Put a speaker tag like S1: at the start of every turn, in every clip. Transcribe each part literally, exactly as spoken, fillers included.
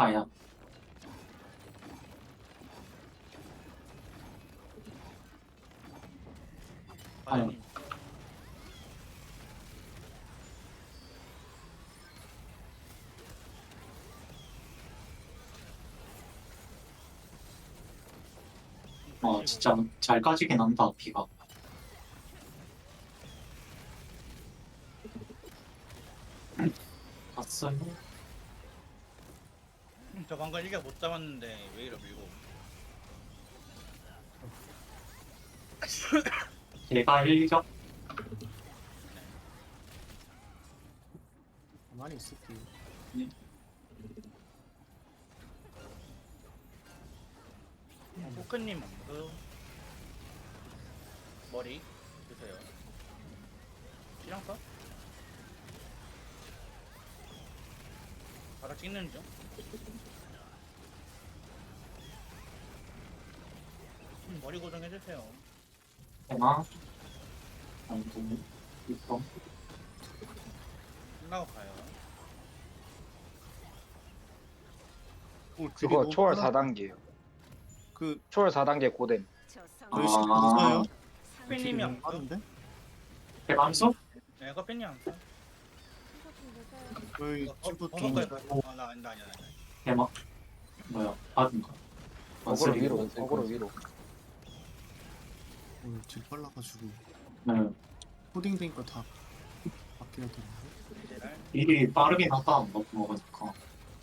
S1: 아야.
S2: 과연님.
S1: 어, 진짜 잘 까지긴 한다, 비가. 갔어요.
S2: 음, 저 방금 일격 못 잡았는데 왜 이러 밀고.
S1: 제가 일격?
S3: 가만히 있을게요.
S2: 포크님 그 머리 드세요. 시장 써? 바로 찍는 중. 음, 머리 고정해주세요.
S1: 하나, 아이고, 이거.
S2: 끝나고 가요.
S3: 어, 그게
S4: 그거
S3: 너무
S4: 초월
S3: 빨라.
S4: 사 단계요.
S3: 그
S4: 초월 사 단계 고뎀.
S3: 저희 시간
S1: 아.
S3: 있어요?
S2: 커피님이 안 써?
S3: 빠른데?
S1: 대감수?
S2: 네, 커피님 안 써.
S3: 저희
S2: 어,
S3: 친구
S2: 어,
S3: 좀
S2: 버섯까지. 아, 나 아니다, 아니다, 아니다.
S1: 대박. 뭐야, 받은 거.
S4: 어그로
S1: 원슬이.
S4: 위로. 어그로 위로.
S3: 오늘 질 빨라가지고
S1: 네.
S3: 코딩 되니까 다 바뀌어야 되는데.
S2: 제랄.
S1: 일이 빠르긴 하다, 너무 먹으니까.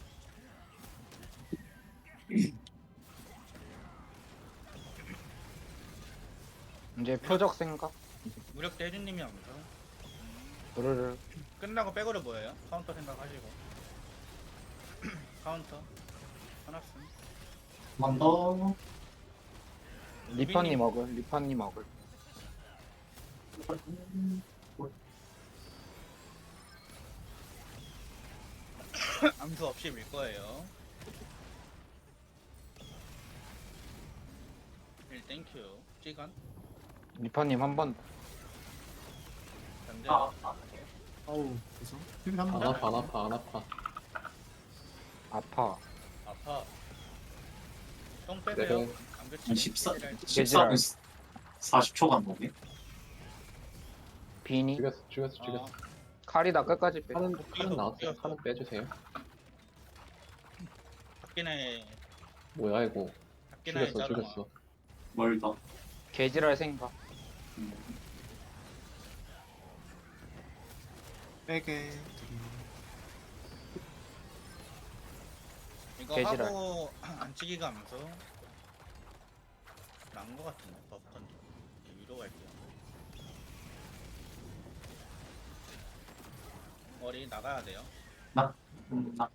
S4: 이제 표적 생각.
S2: 무력 대 혜준님이 안 써.
S4: 그르르.
S2: 끝나고 백으로 뭐예요? 카운터 생각하시고. 카운터. 하나씩.
S1: 한 번 더.
S4: 리파님 어글. 리파님 어글.
S2: 암수 없이 밀 거예요. 일 땡큐. 시간.
S4: 리파님 한 번.
S2: 반대.
S1: 아, 아,
S3: 아우 그래서 힐 한
S5: 안
S3: 번.
S5: 아파 안 아파 안 아파.
S4: 아파.
S2: 아파. 똥 빼세요.
S5: 네.
S2: 감겨치기.
S1: 십사,
S2: 제랄.
S1: 십사 분 사십 초 간 거네.
S4: 비니.
S5: 죽였어 죽였어 죽였어.
S2: 아,
S4: 칼이다 끝까지 빼.
S5: 칼은 칼은 나왔어요. 칼은 빼주세요.
S2: 밖에나에
S5: 뭐야 이거.
S2: 밖에나에
S5: 죽였어
S2: 자르마.
S5: 죽였어.
S1: 멀다.
S4: 개지랄 생각.
S1: 음.
S3: 빼게 드림.
S2: 이거
S4: 개지랄.
S2: 하고 안 치기가 암수. 난거 같은데 버프 던져. 위로 갈게요. 머리 나가야 돼요.
S1: 나, 음, 나,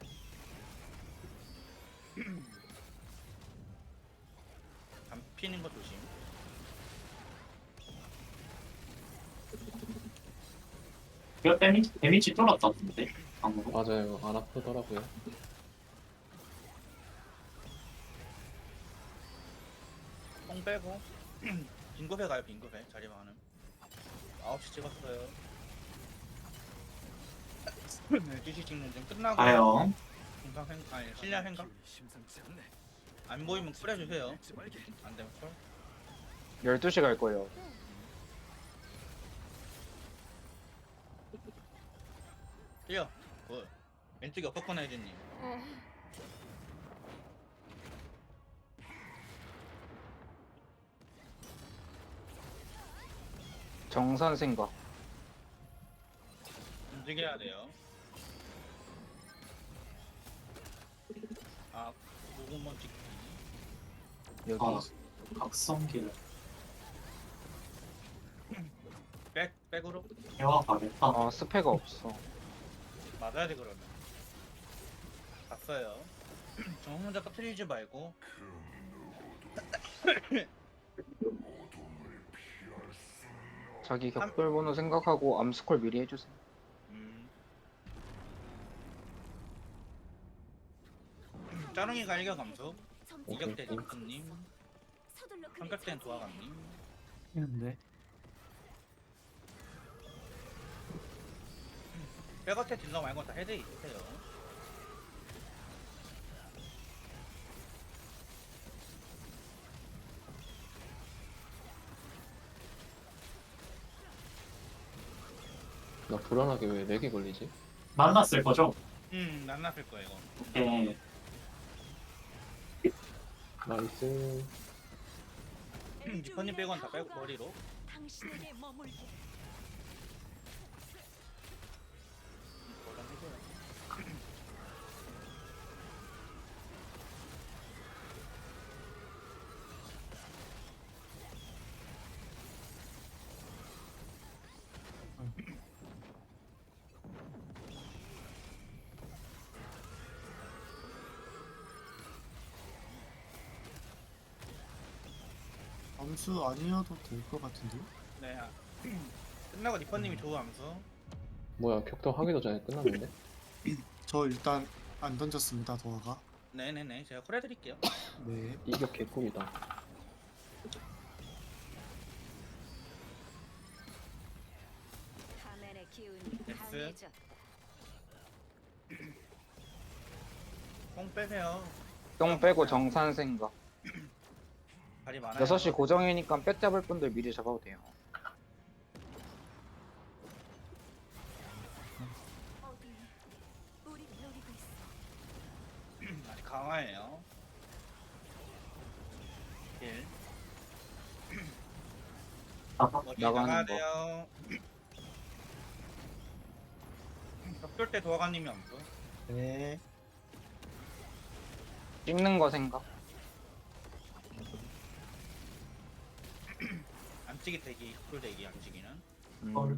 S2: 안 피는 거 조심.
S1: 이거 데미지, 데미지 쫄았다던데? 방금.
S5: 맞아요. 안 아프더라고요.
S2: 뽕 빼고 빈급해 가요. 빈급해 자리만 하는. 아홉 시 찍었어요. 열두 시 찍는 중 끝나고
S1: 가요.
S2: 중상 생 아니 실내 생각 안 보이면 뿌려주세요. 안 되면 콜.
S4: 열두 시 갈 거예요.
S2: 뛰어. 굿. 왼쪽에 어퍼컨 해주님.
S4: 정선 생각.
S2: 움직여야 돼요. 아, 고구마 찍기.
S4: 여기.
S1: 아, 각성기를
S2: 백, 백으로?
S1: 해와 가겠다.
S4: 어 스페가 없어.
S2: 맞아야지, 그러면. 갔어요. 저 혼자 터트리지 말고.
S4: 자기 격돌 번호 생각하고 암스콜 미리 해주세요.
S2: 음. 짜릉이가 일격 감소. 이격대 딩크님. 삼각대는 도화감님.
S3: 했는데.
S2: 백어택 딜러 말고 다 헤드 있으세요.
S5: 나 불안하게 왜 렉이 걸리지?
S1: 만났을 거죠?
S2: 음, 난났을 거예요, 이거.
S1: 예.
S5: 나이스.
S2: 니퍼님 빼곤 다 빼고 머리로.
S6: 당신에게 머물게.
S2: 뭐라 해줘요.
S3: 암수 아니어도 될 것 같은데?
S2: 네. 아, 끝나고 니퍼님이 좋은 암수.
S5: 뭐야 격돌 하기도 전에 끝났는데?
S3: 저 일단 안 던졌습니다, 도화가.
S2: 네네네. 제가 콜 해드릴게요.
S3: 네.
S5: 이격 개꿀이다.
S6: 가면의 기운이
S2: 됐어.
S6: 강해져.
S2: 뽕 빼세요.
S4: 똥 빼고 정산 생각.
S2: 발이 많아요.
S4: 여섯 시 고정이니까 뺏 잡을 분들 미리 잡아도 돼요.
S6: 어디 우리를 노리고 있어.
S2: 아직 강화예요. 일.
S1: 아까
S2: 머리
S4: 나가는
S2: 나가야
S4: 거.
S2: 돼요. 격돌 때 도화관님이 암수.
S3: 네.
S4: 찍는 거 생각.
S2: 안찌기 대기, 격돌 대기, 안찌기는.
S4: 음.
S1: 헐.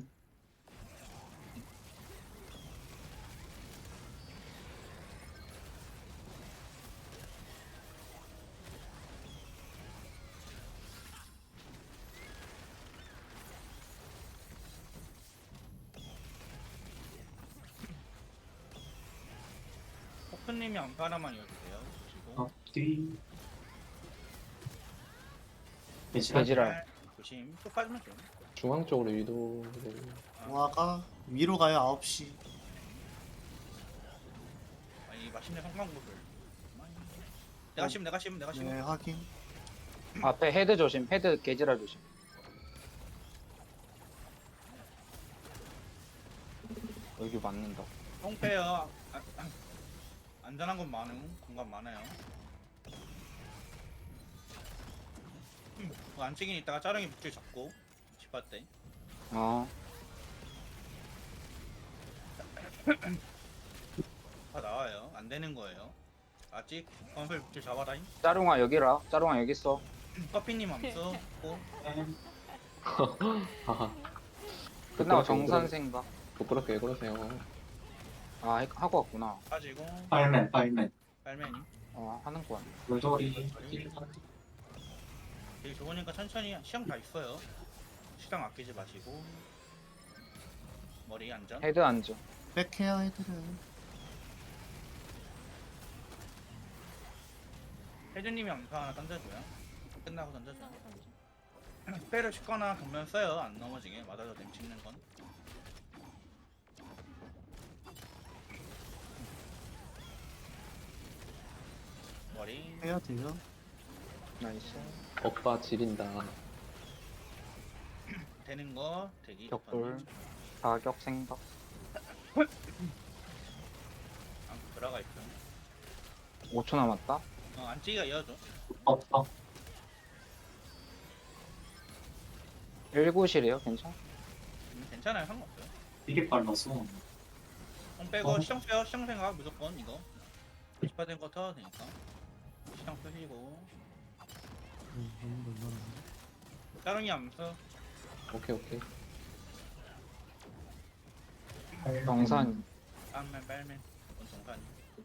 S2: 포크님이 암수 하나만 이어주세요. 그리고
S1: 어, 뒤. 돼지랄.
S4: 돼지랄.
S2: 조심. 또 빠지면 좀.
S5: 중앙 쪽으로 유도를.
S3: 도화가 위로 가요, 아홉 시.
S2: 아니 맛있는 성광구를. 내가 심, 내가 심, 내가 심.
S3: 네, 확인.
S4: 앞에 헤드 조심. 헤드 개지랄 조심. 여기 맞는다.
S2: 똥 빼요. 아, 아, 안전한 건 많음. 공간 많아요. 음, 그 안찌기는 이따가 짜릉이 북질 잡고 집할 때.
S4: 어.
S2: 다 나와요. 안 되는 거예요. 아직 건설 북질 잡아라잉.
S4: 짜룽아 여기라. 짜룽아 여기 있어.
S2: 커피님 암수 고
S5: 하하.
S4: 끝나고
S5: 부끄럽게
S4: 정산
S5: 왜
S4: 생각.
S5: 그러- 부끄럽게 왜 그러세요?
S4: 아 해- 하고 왔구나.
S2: 빠지고
S1: 파일맨, 파일맨.
S2: 빨매님.
S4: 어 하는 거야.
S1: 물돌이.
S2: 되게 좋으니까 천천히 시험 다 있어요. 시간 아끼지 마시고 머리 안전.
S4: 헤드 안전.
S3: 백헤어 애들은.
S2: 혜준님이 암수 하나 던져줘요. 끝나고 던져줘요. 스페를 씻거나 정면 써요. 안 넘어지게 맞아도 됨 찍는 건. 머리
S3: 해야 돼요.
S4: 나이스.
S5: 오빠 지린다.
S2: 되는 거 대기.
S4: 격돌. 사격 생각.
S2: 안 들어가 있어.
S4: 오 초 남았다.
S2: 어, 안찌기가 이어줘.
S1: 없어.
S4: 일구실이에요 괜찮아?
S2: 음, 괜찮아요. 상관없어요.
S1: 되게 빨라서.
S2: 공 빼고
S1: 어.
S2: 시정 빼요. 시정 생각 무조건 이거. 이십 퍼센트 거 터도 되니까. 시정 쓰시고.
S3: 음, 너무 얼마나.
S2: 따릉이 암수.
S5: 오케이 오케이.
S4: 정산.
S2: 빨맨 빨맨. 이건 정산이.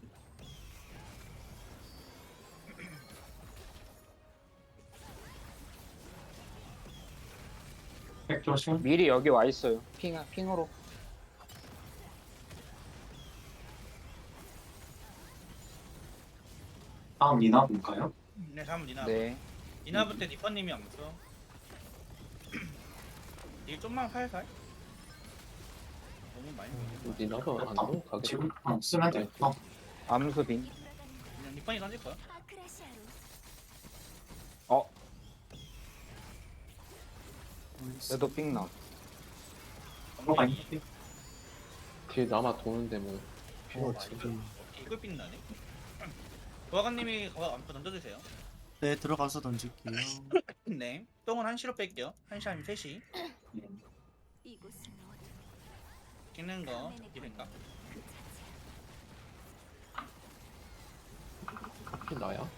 S1: 백 조심.
S4: 미리 여기 와 있어요. 핑 핑으로.
S1: 다음 니나 볼까요?
S2: 네, 다음 니나.
S4: 네.
S2: 니나부 때 니퍼님이 암수. 일 좀만 살살. 너무 많이 보이네.
S5: 니나가 안
S1: 아,
S5: 넘어가게.
S1: 지금 어, 쓰면 돼. 어,
S4: 암수빈.
S2: 그냥 니퍼니 던질 거야.
S6: 아크라시아로
S4: 어.
S3: 올렸어.
S4: 얘도 핑 나.
S1: 들어가 있는데.
S5: 뒤에 남아 도는데 뭐 필요
S3: 어,
S5: 없지.
S3: 지금.
S2: 이걸 빛나네. 도화관님이 거 안고 던져주세요.
S3: 네, 들어가서 던질게요.
S2: 네. 똥은 한시로 뺄게요. 한시 아니면 셋이.
S6: 이곳은 어둠.
S2: 찍는 거
S6: 카멘의
S2: 이랬까?
S6: 권위는 그 자체야.
S5: 하필 나야?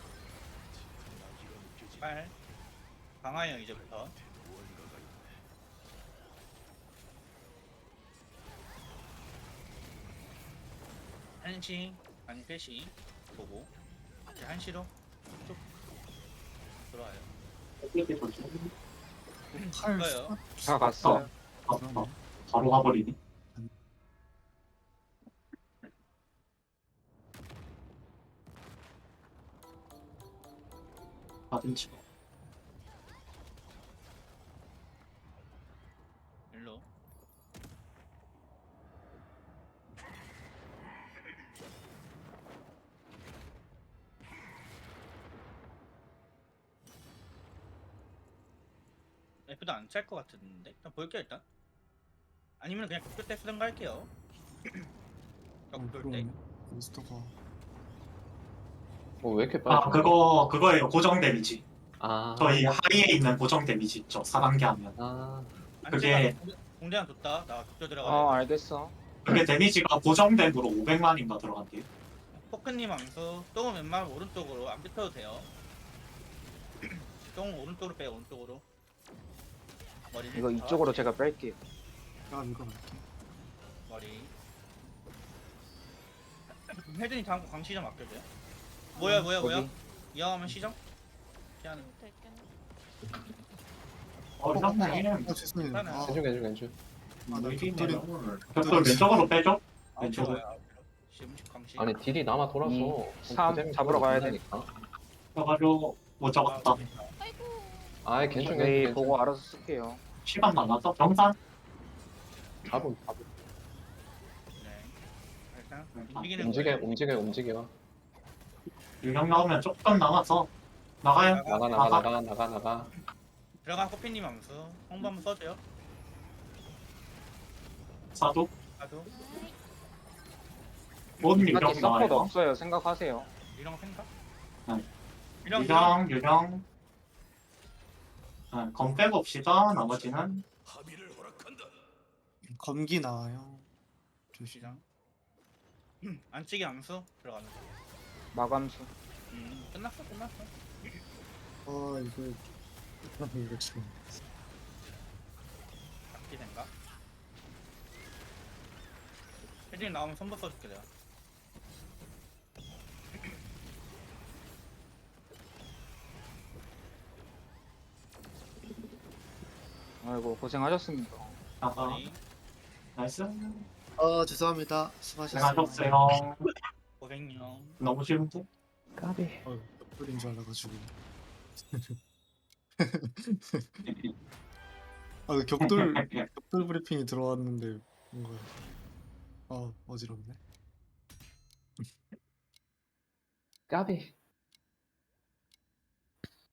S2: 빨. 강화요 이제부터. 한시 아니 셋이 보고 이제 한시로 쭉 들어와요.
S3: 팔
S2: 가요.
S4: 다 갔어요.
S1: 아, 아, 바로 가버리네. 받은 치
S2: 일로. F도 안 찰 것 같은데 일단 볼게요 일단. 아니면 그냥 극도 때 쓰던가 할게요.
S3: 어,
S2: 극도 때.
S3: 그러네. 몬스터가.
S5: 뭐 왜 이렇게 빨리?
S1: 아 그거 그거예요. 고정 데미지.
S5: 아.
S1: 저희 하이에 있는 고정 데미지 있죠. 사 단계 하면.
S5: 아.
S1: 그게-
S2: 공대한 뒀다. 나 극도 들어가.
S4: 어 알겠어.
S1: 그게 데미지가 고정됨으로 오백만인가 들어간대요.
S2: 포크님 암수. 똥은 웬만하면 오른쪽으로 안 뱉어도 돼요. 똥 오른쪽으로 빼요. 오른쪽으로. 머리.
S4: 이거 이쪽으로 제가 뺄게요.
S3: 야, 이거 갈게.
S2: 머리. 혜준이 다음 거 강시정 맡겨줘요. 뭐야 뭐야 뭐야?
S4: 여기.
S2: 이왕하면 시정? 피하는.
S1: 어, 선생님.
S3: 아, 죄송해요. 아,
S5: 괜찮 괜찮 괜찮.
S3: 아, 나
S1: 격돌
S3: 격돌이
S1: 왼쪽으로 빼죠?
S2: 아,
S1: 왼쪽으로.
S2: 좋아요. 심식 강시.
S5: 아니 딜이 남아 돌아서.
S4: 이,
S5: 그럼
S4: 삼
S5: 그대로
S4: 잡으러 가야
S5: 끝나니까.
S1: 써가지고 못 잡았다.
S6: 아이고.
S5: 아이 괜찮
S4: 저희
S5: 괜찮.
S4: 보고 알아서 쓸게요.
S1: 시간 많아서 정산.
S5: 잡음 잡음.
S2: 네. 일단
S1: 음,
S2: 움직이는
S5: 움직여
S2: 거예요.
S5: 움직여 움직여.
S1: 유령 나오면 조금 남아서 나가요.
S5: 나가 나가 나가 나가 나가.
S2: 들어간 커피님 암수. 홍보 한번 써줘요.
S1: 사도
S2: 나도
S1: 뭔
S4: 이렇게
S1: 유령
S4: 서포트
S1: 나와요.
S4: 없어요. 생각하세요.
S2: 이런 생각?
S1: 네.
S2: 이런 유령.
S1: 유령 유령. 네, 검 빼봅시다. 나머지는
S3: 검기 나와요. 조심.
S2: 시정. 안찌기 암수 들어가는 거.
S4: 마감수.
S2: 음, 끝났어 끝났어.
S3: 아, 이거. 아, 이거 지금.
S2: 잡기 생각. 혜진이 나오면 선보 써줄게 내가.
S4: 아이고 고생하셨습니다.
S1: 나가.
S2: 머리.
S1: 나이스.
S3: 아, 죄송합니다. 수고하셨습니다.
S1: 고생하셨어요.
S2: 고생요.
S1: 너무 쉬운데?
S5: 까비.
S3: 어, 격돌인 줄 알아가지고. 아, 그 격돌, 격돌 브리핑이 들어왔는데, 뭔가. 아, 어지럽네.
S5: 까비.